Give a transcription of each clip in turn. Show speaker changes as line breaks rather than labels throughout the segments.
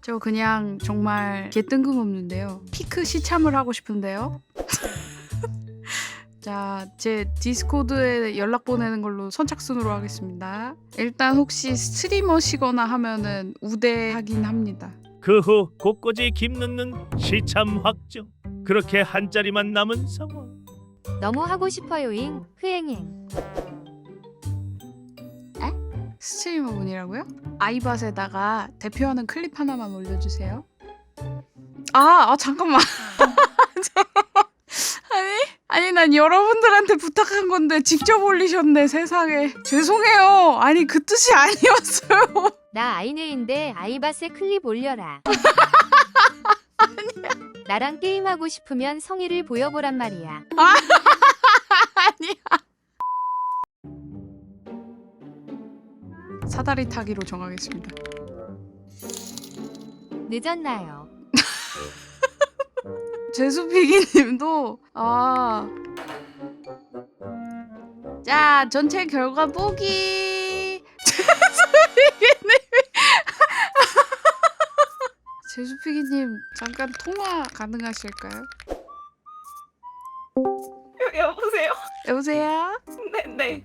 저 그냥 정말 개뜬금없는데요. 피크 시참을 하고 싶은데요. 자, 제 디스코드에 연락 보내는 걸로 선착순으로 하겠습니다. 일단 혹시 스트리머시거나 하면은 우대하긴 합니다.
그 후 곳곳이 김 넣는 시참 확정. 그렇게 한 자리만 남은 상황.
너무 하고 싶어요잉 흐행행.
스트리머분이라고요? 아이밭에다가 대표하는 클립 하나만 올려주세요. 잠깐만. 아니 난 여러분들한테 부탁한 건데 직접 올리셨네. 세상에. 죄송해요. 아니 그 뜻이 아니었어요.
나 아이네인데 아이밭에 클립 올려라. 나랑 게임하고 싶으면 성의를 보여보란 말이야.
아니야. 사다리 타기로 정하겠습니다.
늦었나요?
제수피기님도 자 전체 결과 보기. 제수피기님 잠깐 통화 가능하실까요?
여보세요?
여보세요?
네.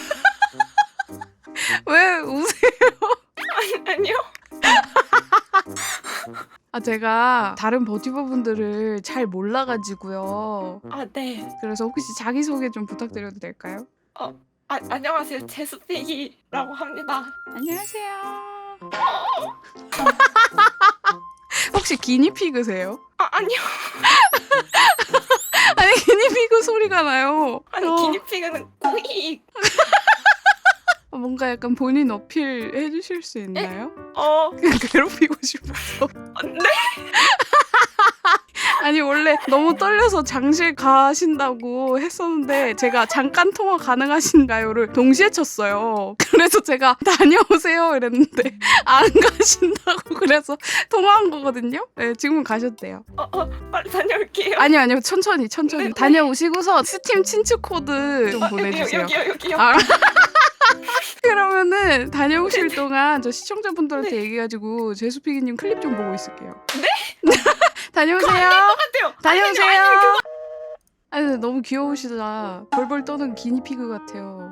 왜 우세요?
아니요.
제가 다른 버티버분들을 잘 몰라가지고요.
네.
그래서 혹시 자기소개 좀 부탁드려도 될까요?
안녕하세요. 제수피기라고 합니다.
안녕하세요. 혹시 기니피그세요?
아니요.
아니 기니피그 소리가 나요.
기니피그는 꾸익.
뭔가 약간 본인 어필 해주실 수 있나요? 그냥 괴롭히고 싶어서.
네?
아니 원래 너무 떨려서 장실 가신다고 했었는데 제가 잠깐 통화 가능하신가요를 동시에 쳤어요. 그래서 제가 다녀오세요 이랬는데 안 가신다고 그래서 통화한 거거든요. 네, 지금은 가셨대요.
빨리 다녀올게요.
아니요 천천히
네.
다녀오시고서 스팀 친추 코드 좀 보내주세요.
여기요.
그러면은 다녀오실 동안 저 시청자분들한테 얘기해가지고 제수피기님 클립 좀 보고 있을게요.
네?
다녀오세요.
똑같아요.
다녀오세요. 아니 근데 너무 귀여우시다. 벌벌 떠는 기니피그 같아요.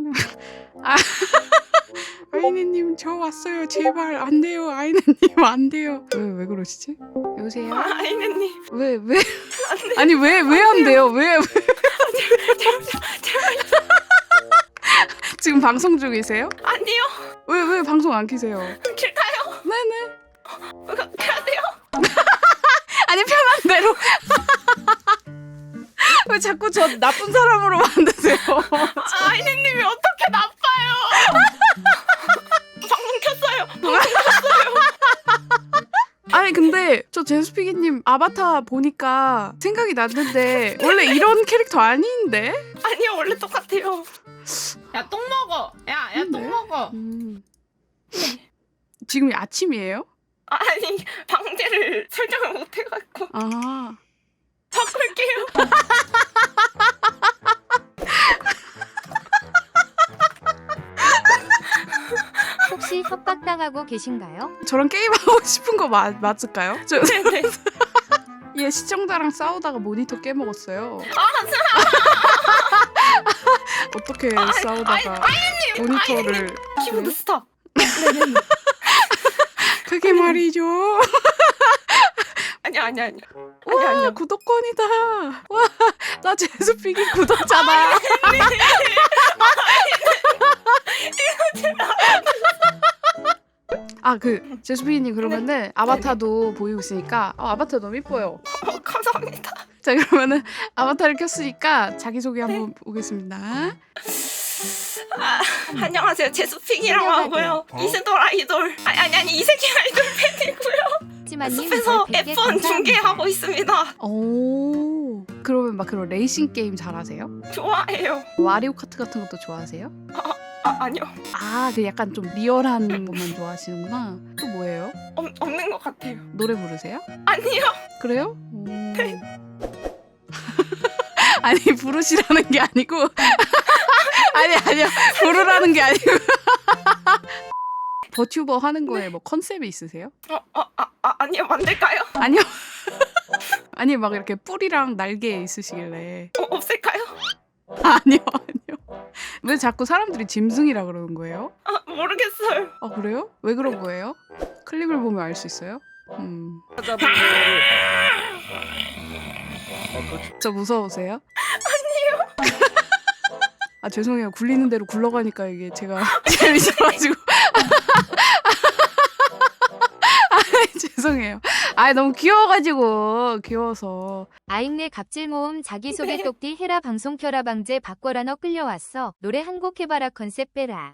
아이네님 저 왔어요. 제발 안 돼요. 아이네님 안 돼요. 왜 그러시지? 여보세요?
아이네님.
왜? 아니 왜 안 돼요? 왜? 지금 방송 중이세요?
아니요.
왜 방송 안 키세요?
길까요?
네네.
가야 돼요?
아니 편한 대로. 왜 자꾸 저 나쁜 사람으로 만드세요?
아이네님이 어떻게 나빠요? 방송 켰어요.
아니 근데 저 제수피기님 아바타 보니까 생각이 났는데 원래 이런 캐릭터 아닌데?
아니요, 원래 똑같아요. 야, 똥 먹어. 야, 똥 먹어.
지금 아침이에요?
아니, 방제를 설정을 못 해갖고 바꿀게요.
혹시 협박당하고 계신가요?
저랑 게임하고 싶은 거 맞을까요?
네네.
얘 시청자랑 싸우다가 모니터 깨먹었어요. 어떻게 싸우다가 모니터를
키보드 스탑.
그게 말이죠.
아니요.
와 구독권이다. 와 나 제수피기 구독자다. 제수피기님 그러면은 아바타도 보이고 있으니까 아바타 너무 이뻐요.
감사합니다.
자 그러면은 아바타를 켰으니까 자기소개 한번 보겠습니다.
안녕하세요. 제수픽이라고 하고요. 이세돌 아이돌 아니 이세계 아이돌 팬이고요.
하지만님
숲에서
별 100개
F1
감사합니다.
중계하고 있습니다.
오 그러면 막 그런 레이싱 게임 잘하세요?
좋아해요.
와리오 카트 같은 것도 좋아하세요?
아니요.
그 약간 좀 리얼한 것만 좋아하시는구나. 또 뭐예요?
없는 것 같아요.
노래 부르세요?
아니요.
그래요? 아니 부르시라는 게 아니고 아니요 부르라는 게 아니고 버튜버 하는 거에 뭐 컨셉이 있으세요?
아니요, 만들까요?
아니요. 아니 막 이렇게 뿔이랑 날개 있으시길래.
없앨까요?
아니요. 왜 자꾸 사람들이 짐승이라 그러는 거예요?
모르겠어요.
아 그래요? 왜 그런 거예요? 클립을 보면 알 수 있어요? 저 무서우세요? 아니요. 아 죄송해요. 굴리는 대로 굴러가니까 이게 제가 재밌어가지고. 아 죄송해요. 아 너무 귀여워서.
아잉네 갑질 모음 자기소개 똑띠 해라 방송 켜라 방제 바꿔라 너 끌려왔어. 노래 한 곡 해봐라 컨셉 빼라.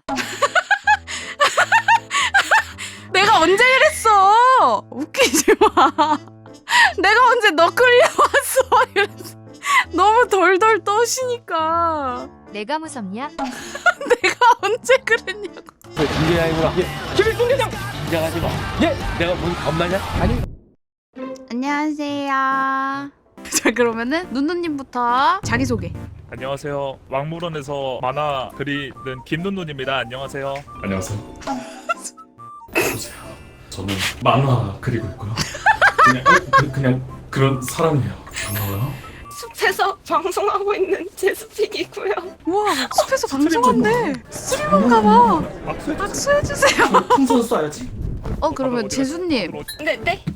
내가 언제 이랬어? 웃기지 마. 내가 언제 너 끌려왔어? 이랬어. 너무 덜덜 떠시니까.
내가 무섭냐?
내가 언제 그랬냐고.
중계 아니구나. 김일 중계장. 긴장하지 마. 내가 뭔 겁나냐? 아니.
안녕하세요. 자 그러면은 눈누님부터 자기소개.
안녕하세요. 왕물원에서 만화 그리는 김눈눈입니다. 안녕하세요.
안녕하세요. 보세요. 저는 만화 그리고 있고요. 그냥 그런 사람이에요. 반가워요.
숲에서 방송하고 있는 제수픽이고요.
우와 숲에서 방송한대. 스트리머인가 봐. 악수해주세요.
풍선 쏴야지.
그러면 재수님
네.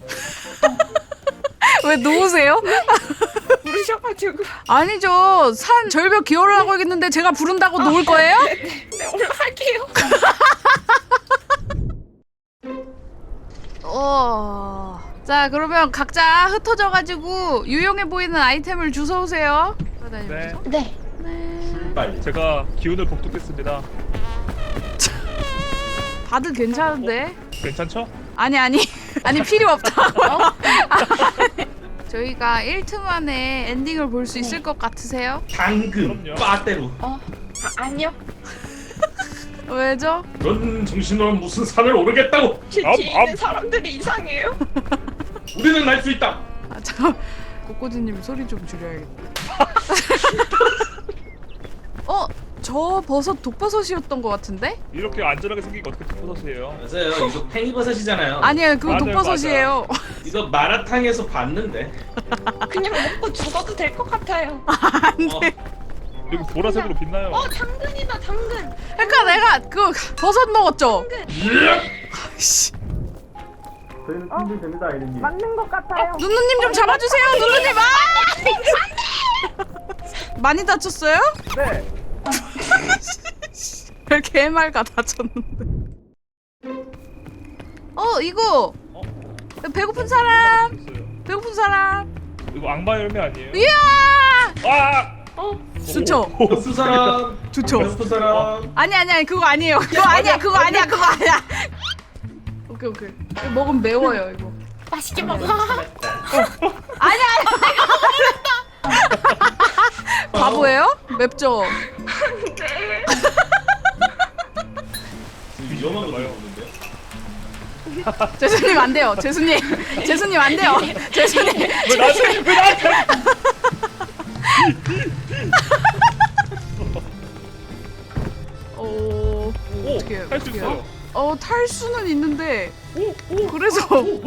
왜 누우세요?
부르셔가지고.
아니죠. 산 절벽 기어를 하고 있는데 제가 부른다고 누울 거예요?
네, 올라갈게요.
자 그러면 각자 흩어져가지고 유용해 보이는 아이템을 주워오세요.
네.
네.
빨리.
제가 기운을 복돋겠습니다.
다들 괜찮은데?
괜찮죠?
아니 필요 없다. 저희가 1트 만에 엔딩을 볼 수 있을 것 같으세요?
당근
그럼요.
빠떼로.
아니요.
왜죠?
그런 정신으로는 무슨 산을 오르겠다고.
제 뒤에 있는 사람들이 이상해요.
우리는 날 수 있다.
아 잠깐 꼬꼬지님 소리 좀 줄여야겠다. 저 버섯 독버섯이었던 것 같은데?
이렇게 안전하게 생긴 게 어떻게 독버섯이에요?
맞아요. 이거 팽이버섯이잖아요.
아니에요 그거
맞아요,
독버섯이에요.
이거 마라탕에서 봤는데.
그냥 먹고 죽어도 될 것 같아요.
안돼.
여기 보라색으로 빛나요.
당근이다, 당근.
그러니까 내가 그 버섯 먹었죠? 씨.
저희는 준비됩니다, 아이님.
맞는 것 같아요.
눈누님 좀 잡아주세요. 눈누님 많이 다쳤어요?
네.
왜 개말가 다쳤는데? 이거 배고픈 사람. 배고픈 사람.
이거 악마 열매 아니에요?
이야.
아!
좋죠.
수 사람.
좋죠.
베스트 사람.
아니 그거 아니에요. 그거 아니야. 오케이. 이거 먹으면 매워요 이거.
맛있게 먹어.
아니야. 내가 먹었다. 바보예요? 맵죠.
위험한 거 보는데요?
재수님 안 돼요. 재수님 안 돼요. 재수님.
왜 나한테?
어떻게 해요?
할 수 있어요.
탈수는 있는데 그래서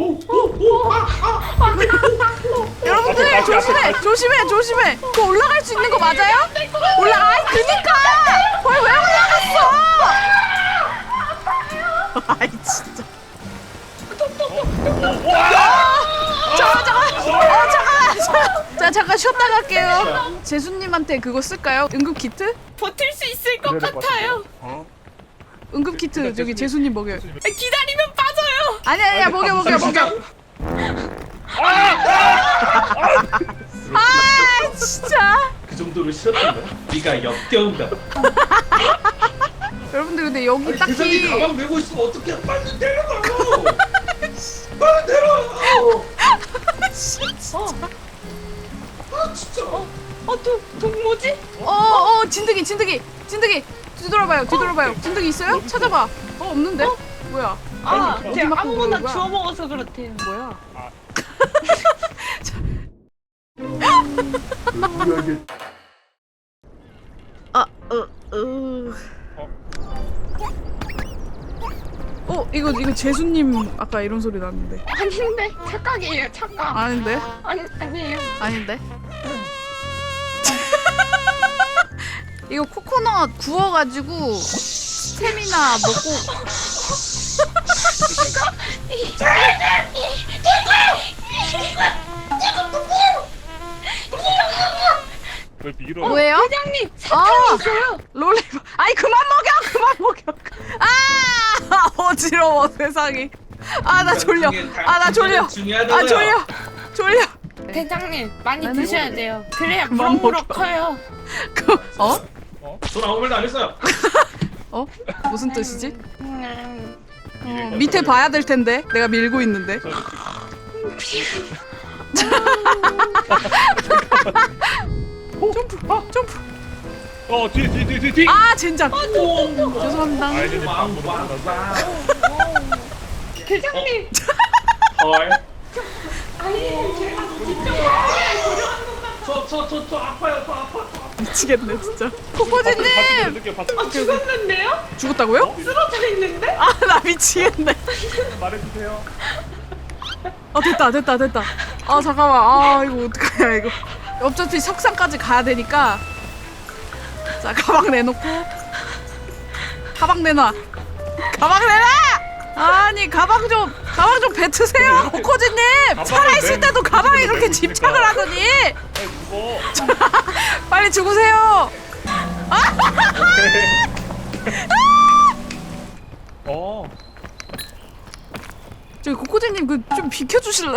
여러분들 조심해. 그거 올라갈 수 있는 거 맞아요? 그니까 거기 왜 올라갔어? 아이 진짜. 잠깐 쉬었다 갈게요. 재수님한테 그거 쓸까요? 응급 키트?
버틸 수 있을 것 같아요.
응급 키트 저기 재수님 먹여요.
기다리면 빠져요.
아니야 먹여. 진짜.
그 정도로 싫었던 거야? 네가 역겨운다.
여러분들 근데 여기
아니, 대장이
딱히
가방 메고 있으면 어떻게 빨리 내려가요? 빨리 내려. 진짜.
뭐지?
진드기 뒤돌아봐요. 진드기 있어요? 찾아봐. 없는데? 뭐야?
제가
맞고
아무거나
그러는 거야?
주워 먹어서 그렇대요.
뭐야? 이거 재수님 아까 이런 소리 났는데.
아닌데 착각이에요 착각.
아닌데?
아니에요.
아닌데? 이거 코코넛 구워가지고 스테미나 먹고.
왜 밀어?
뭐예요?
회장님 사탕이 있어요.
롤리바. 아니 그만 먹여. 어지러워 세상이. 아 나 졸려. 아 나 졸려. 아 졸려.
대장님 많이
나는
드셔야 돼요. 그래야
그만
무럭무럭
먹어.
커요.
전 아무 말도 안 했어요.
무슨 뜻이지?
음,
밑에 봐야 될 텐데 내가 밀고 있는데. 점프.
뒤.
아 젠장. 죄송합니다.
아이들이
왕.
대장님
헐.
아니 제가
저 아파요. 저 아파.
미치겠네 진짜. 코코지님
죽었는데요?
죽었다고요?
쓰러져 있는데?
아 나 미치겠네.
말해주세요.
됐다. 아 잠깐만. 이거 어떡하냐 이거. 어차피 석상까지 가야 되니까. 자 가방 내놓고. 가방 내놔. 아니 가방 좀 뱉으세요. 코코지님 살아있을 때도 가방에 그렇게 집착을 하더니.
죽어.
빨리 죽으세요. 저기 코코지님 그 좀 비켜주실래요?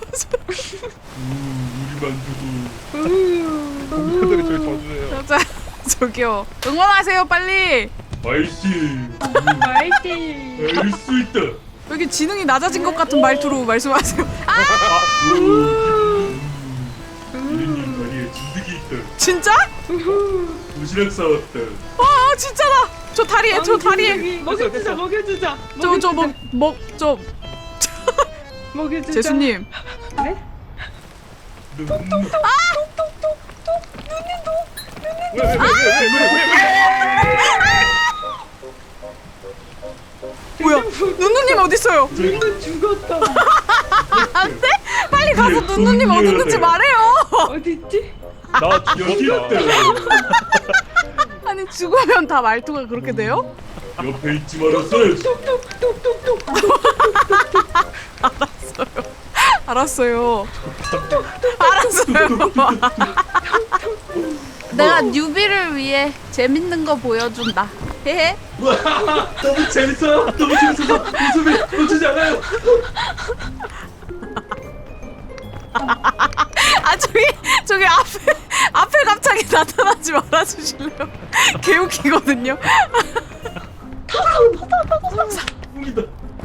우리 만두도. 공포들이 저희 져주세요.
자, 저기요 응원하세요 빨리.
아이씨.
말띠
알수 있다.
여기 지능이 낮아진 것 같은 말투로 말씀하세요.
이래님 다리에 진드기 있다.
진짜?
도시락 싸웠다.
진짜다. 저 다리에
먹여주자 먹여주자
재수님. 뭐야? 눈누님 어디 있어요?
눈은 죽었다.
안돼? 빨리 가서 눈누님 어디 있는지 말해요.
어딨지?
나
여기
죽었다.
있다.
아니 죽으면 다 말투가 그렇게 돼요?
옆에 있지 말았어야지.
알았어요. 내가 뉴비를 위해 재밌는 거 보여준다. 헤헤.
와, 너무 재밌어요. 너무 재밌어서 웃음이 놓치지 않아요.
아 저기 앞에 갑자기 나타나지 말아주실래요? 개웃기거든요.
웃긴다.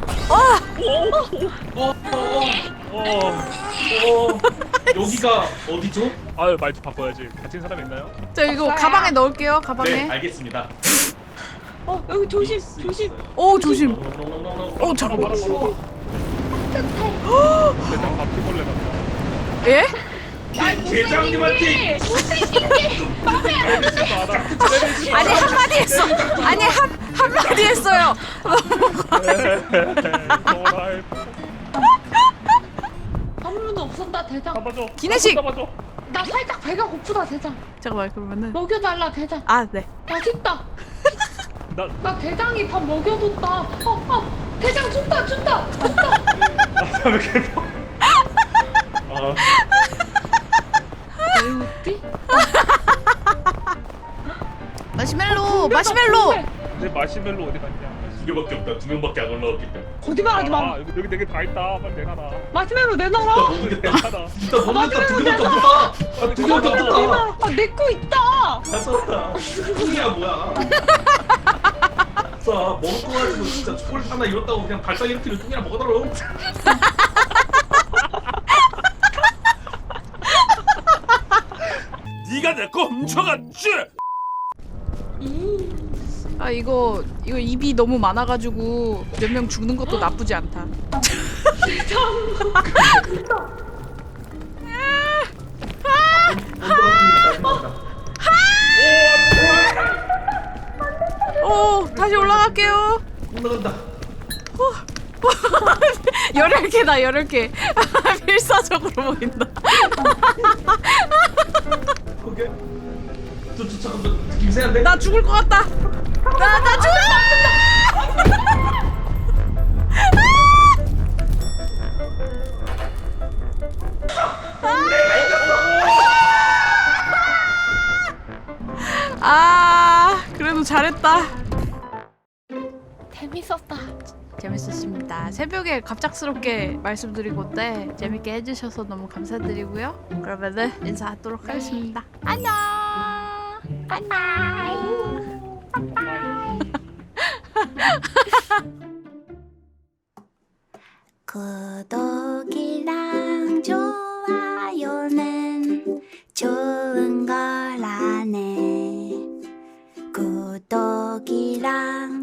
여기가 어디죠?
아유 말투 바꿔야지. 다친 사람 있나요?
저 이거 가방에 넣을게요. 가방에.
네, 알겠습니다.
여기 조심.
오 조심. 오 잠깐만.
대장 바퀴벌레 같다.
예?
대장님한테
아니 한마디 했어. 아니 한마디 했어요.
아무도 없었다 대장.
잡아줘.
기내식!
잡아줘.
나 살짝 배가 고프다 대장.
잠깐만 그러면은.
먹여달라 대장.
아 네.
맛있다.
나
나 대장이 밥 먹여줬다. 대장 준다.
왜 이렇게 봐?
왜 웃지?
마시멜로.
내 마시멜로 어디 갔냐?
두 개밖에 없다. 두 명밖에 안 올라왔기 때문에.
거짓말하지 마.
여기 네개 다 있다. 빨리 내놔라.
마시멜로 내놔라.
모르겠다.
내놔라.
진짜 모르겠다. 두 개밖에 없다. 두 개밖에 없다.
내 거 있다.
다 썼다. 똥이야 뭐야? 자 먹을 거 가지고 진짜 초콜릿 하나 잃었다고 그냥 발상 일으키는 똥이나 먹어달라고.
네가 내 거 훔쳐갔지?
아 이거 입이 너무 많아가지고 몇 명 죽는 것도 나쁘지 않다. 오 다시 올라갈게요.
올라간다.
열혈개다 18개. 필사적으로 보인다.
오케이. 잠깐만 김세한데.
나 죽을 것 같다. 나 죽을 것 같다. 그래도 잘했다.
재밌었다.
재밌었습니다. 새벽에 갑작스럽게 말씀드리건데 재밌게 해주셔서 너무 감사드리고요. 그러면은 인사하도록 하겠습니다. 안녕.
구독이랑 좋아요는 좋은 거라네. 구독이랑